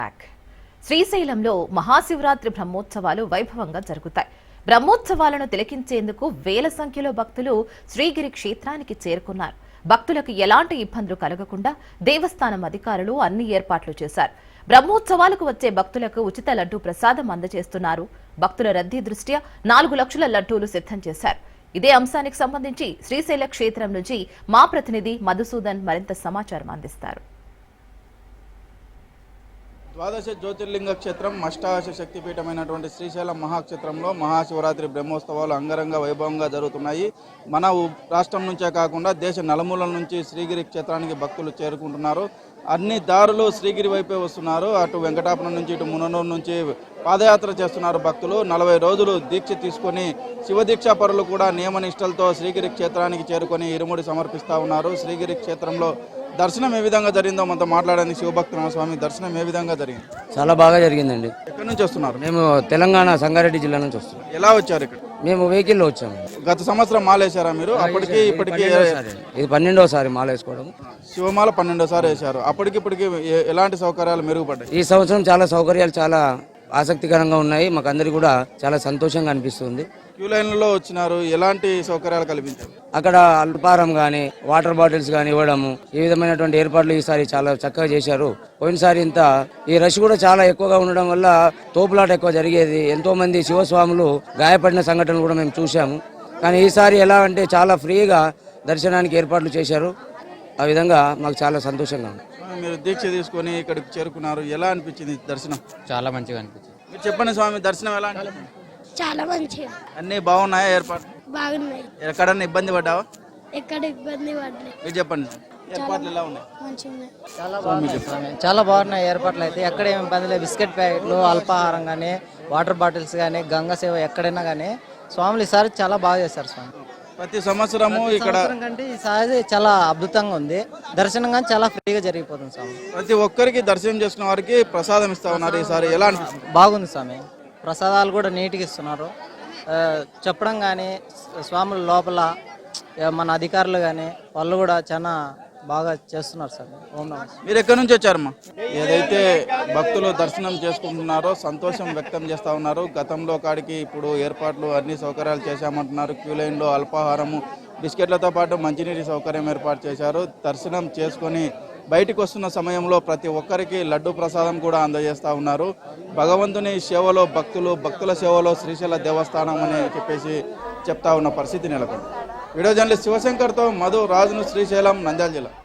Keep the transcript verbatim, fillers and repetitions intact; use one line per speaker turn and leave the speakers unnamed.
శ్రీశైలంలో మహాశివరాత్రి బ్రహ్మోత్సవాలు వైభవంగా జరుగుతాయి. బ్రహ్మోత్సవాలను తిలకించేందుకు వేల సంఖ్యలో భక్తులు శ్రీగిరి క్షేత్రానికి చేరుకున్నారు. భక్తులకు ఎలాంటి ఇబ్బందులు కలగకుండా దేవస్థానం అధికారులు అన్ని ఏర్పాట్లు చేశారు. బ్రహ్మోత్సవాలకు వచ్చే భక్తులకు ఉచిత లడ్డూ ప్రసాదం అందజేస్తున్నారు. భక్తుల రద్దీ దృష్ట్యా నాలుగు లక్షల లడ్డూలు సిద్ధం చేశారు. ఇదే అంశానికి సంబంధించి శ్రీశైల క్షేత్రం నుంచి మా ప్రతినిధి మధుసూదన్ మరింత సమాచారం అందిస్తారు.
ద్వాదశ జ్యోతిర్లింగ క్షేత్రం అష్టాదశ శక్తిపీఠమైనటువంటి శ్రీశైలం మహాక్షేత్రంలో మహాశివరాత్రి బ్రహ్మోత్సవాలు అంగరంగ వైభవంగా జరుగుతున్నాయి. మన రాష్ట్రం నుంచే కాకుండా దేశ నలుమూలల నుంచి శ్రీగిరి క్షేత్రానికి భక్తులు చేరుకుంటున్నారు. అన్ని దారులు శ్రీగిరి వైపే వస్తున్నారు. అటు వెంకటాపురం నుంచి ఇటు ముననూరు నుంచి పాదయాత్ర చేస్తున్నారు భక్తులు. నలభై రోజులు దీక్ష తీసుకొని శివదీక్షా పరులు కూడా నియమనిష్టలతో శ్రీగిరి క్షేత్రానికి చేరుకొని ఇరుముడి సమర్పిస్తూ ఉన్నారు. శ్రీగిరి క్షేత్రంలో దర్శనం ఏ విధంగా జరిగిందో మనతో మాట్లాడండి. శివభక్తనామ స్వామి దర్శనం ఏ విధంగా జరిగింది?
చాలా బాగా జరిగిందండి.
ఎక్కడి నుంచి వస్తున్నారు?
మేము తెలంగాణ సంగారెడ్డి జిల్లా నుంచి వస్తున్నాం.
ఎలా వచ్చారు ఇక్కడ?
మేము వెహికల్లో వచ్చాము.
గత సంవత్సరం మాలేశారా మీరు? అప్పటికి ఇప్పటికి
ఇది పన్నెండోసారి మాల వేసుకోవడం.
శివమాల పన్నెండోసారి వేశారు. అప్పటికి ఇప్పటికి ఎలాంటి సౌకర్యాలు మెరుగుపడ్డాయి?
ఈ సంవత్సరం చాలా సౌకర్యాలు చాలా ఆసక్తికరంగా ఉన్నాయి. మాకు అందరికి కూడా చాలా సంతోషంగా అనిపిస్తుంది.
క్యూ లైన్లలో వచ్చినారు, ఎలాంటి సౌకర్యాలు కల్పించారు?
అక్కడ అల్పారం కానీ వాటర్ బాటిల్స్ కానీ ఇవ్వడము, ఈ విధమైనటువంటి ఏర్పాట్లు ఈసారి చాలా చక్కగా చేశారు. పోయినసారి ఇంత ఈ రష్ కూడా చాలా ఎక్కువగా ఉండడం వల్ల తోపులాట ఎక్కువ జరిగేది. ఎంతో మంది శివస్వాములు గాయపడిన సంఘటనలు కూడా మేము చూసాము. కానీ ఈసారి ఎలా అంటే చాలా ఫ్రీగా దర్శనానికి ఏర్పాట్లు చేశారు. ఆ విధంగా మాకు చాలా సంతోషంగా ఉంది.
మీరు దీక్ష తీసుకొని ఇక్కడికి చేరుకున్నారు, ఎలా అనిపించింది దర్శనం?
చాలా మంచిగా అనిపించింది.
మీరు చెప్పండి స్వామి, దర్శనం ఎలా అనిపించింది?
చాలా మంచిగా.
అన్ని బాగున్నాయా ఏర్పాట్లు?
బాగున్నాయి.
ఎక్కడన్నా ఇబ్బంది పడ్డావా?
ఎక్కడ ఇబ్బంది పడలేదు.
మీరు చెప్పండి, ఏర్పాట్లు ఎలా ఉన్నాయి?
మంచిగా.
చాలా బాగున్నాయి. చాలా బాగున్నాయి ఏర్పాట్లు అయితే. ఎక్కడ ఏమి ఇబ్బంది లేదు. బిస్కెట్ ప్యాకెట్లు, అల్పాహారం కానీ వాటర్ బాటిల్స్ కానీ గంగా సేవ ఎక్కడైనా కానీ స్వాములు ఈసారి చాలా బాగా చేశారు. స్వామి
ప్రతి సంవత్సరము ఇక్కడ
కంటే ఈసారి చాలా అద్భుతంగా ఉంది. దర్శనం కానీ చాలా ఫ్రీగా జరిగిపోతుంది. స్వామి
ప్రతి ఒక్కరికి దర్శనం చేసుకున్న వారికి ప్రసాదం ఇస్తా ఉన్నారు. ఈసారి ఎలా అనిపిస్తుంది?
బాగుంది స్వామి. ప్రసాదాలు కూడా నీట్గా ఇస్తున్నారు. చెప్పడం కానీ స్వాముల లోపల మన అధికారులు కానీ వాళ్ళు కూడా చాలా బాగా చేస్తున్నారు సార్. ఓం నమః.
మీరు ఎక్కడి నుంచి వచ్చారమ్మా? ఏదైతే భక్తులు దర్శనం చేసుకుంటున్నారో సంతోషం వ్యక్తం చేస్తూ ఉన్నారు. గతంలో కాడికి ఇప్పుడు ఏర్పాట్లు అన్ని సౌకర్యాలు చేశామంటున్నారు. క్యూ లైన్లో అల్పాహారము, బిస్కెట్లతో పాటు మంచినీటి సౌకర్యం ఏర్పాటు చేశారు. దర్శనం చేసుకొని బయటకు వస్తున్న సమయంలో ప్రతి ఒక్కరికి లడ్డు ప్రసాదం కూడా అందజేస్తూ ఉన్నారు. భగవంతుని సేవలో భక్తులు, భక్తుల సేవలో శ్రీశైల దేవస్థానం అని చెప్పేసి చెప్తా ఉన్న పరిస్థితి నెలకొంది. వీడియో జర్నలిస్ట్ శివశంకర్తో మధు రాజును, శ్రీశైలం, నంద్యాల జిల్లా.